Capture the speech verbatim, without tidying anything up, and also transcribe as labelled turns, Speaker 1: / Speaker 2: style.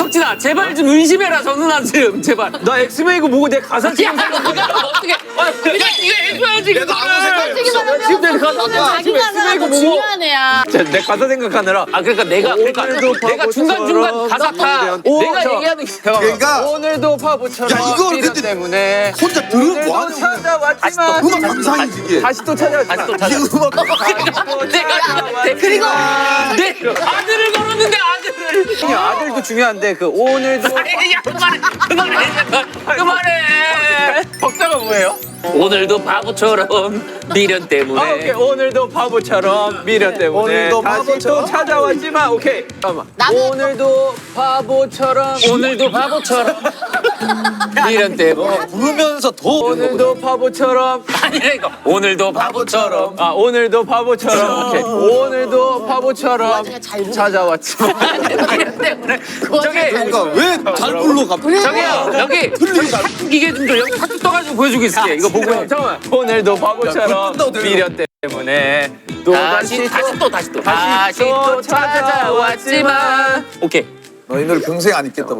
Speaker 1: 석진아 제발 좀 의심해라 저 누나 지금 제발.
Speaker 2: 나 엑스맨이고 뭐고 내 가사
Speaker 1: 야
Speaker 2: 지금
Speaker 1: 이거 어떻게? 아 그냥 이거 해줘야지.
Speaker 3: 내가 아무 생각 없어.
Speaker 2: 지금 내 가사
Speaker 4: 자기
Speaker 2: 지금
Speaker 4: 가사가
Speaker 2: 엑스맨이고
Speaker 4: 더
Speaker 2: 뭐고
Speaker 4: 중요한 애야.
Speaker 2: 내 가사 생각하느라
Speaker 1: 아 그러니까 내가 그러니까
Speaker 2: 오늘도
Speaker 1: 내가 중간 중간 가사 타.
Speaker 2: 오,
Speaker 1: 내가
Speaker 2: 저-
Speaker 1: 얘기하는 게.
Speaker 3: 그러니까
Speaker 2: 오늘도 바보처럼
Speaker 3: 야, 이걸
Speaker 2: 미련
Speaker 3: 근데
Speaker 2: 때문에
Speaker 3: 혼자 들으면
Speaker 2: 오늘도
Speaker 3: 뭐하는 거야?
Speaker 2: 찾아왔지만
Speaker 3: 음악 감상이지 이게.
Speaker 2: 다시 또 찾아왔지만
Speaker 1: 다시 또 찾아.
Speaker 3: 이게 음악
Speaker 1: 내가 내 그리고 내 아들을 걸었는데 아들을.
Speaker 2: 그냥 아들도 중요한데 그 오늘도
Speaker 1: 야 그만해 그만해 그만해.
Speaker 2: 박자가 뭐예요?
Speaker 1: 오늘도 바보처럼 미련 때문에.
Speaker 2: 아, 오케이 오늘도 바보처럼 미련 때문에
Speaker 3: 오늘도
Speaker 2: 다시
Speaker 3: 바보처럼?
Speaker 2: 또 찾아왔지만 오케이 잠깐만
Speaker 4: 나도-
Speaker 2: 오늘도 바보처럼
Speaker 1: 오늘도 바보처럼 미련 때문에.
Speaker 3: 부르면서 더
Speaker 2: 오늘도 바보처럼
Speaker 1: 아니라니까 오늘도 바보처럼.
Speaker 2: 아 오늘도 바보처럼 오케이 오늘도 바보처럼
Speaker 4: 와중에 잘 부르-
Speaker 2: 찾아왔지만
Speaker 1: 미련 때문에. 저기
Speaker 3: 그러니까 왜 잘 불러 갑자기?
Speaker 1: 저기요 여기 저기 타투 기계 좀 줘. 여기 타투 떠가지고 보여주고 있을게. 이거 보고 해.
Speaker 2: 잠깐만 오늘도
Speaker 3: 야,
Speaker 2: 바보처럼
Speaker 3: 그걸 끈다고
Speaker 2: 미련 때문에 또
Speaker 1: 다시
Speaker 2: 다시
Speaker 1: 다시 또 다시 또
Speaker 2: 다시 또
Speaker 1: 찾아왔지만. 오케이.
Speaker 3: 너 이 노래 평생 안 잊겠다.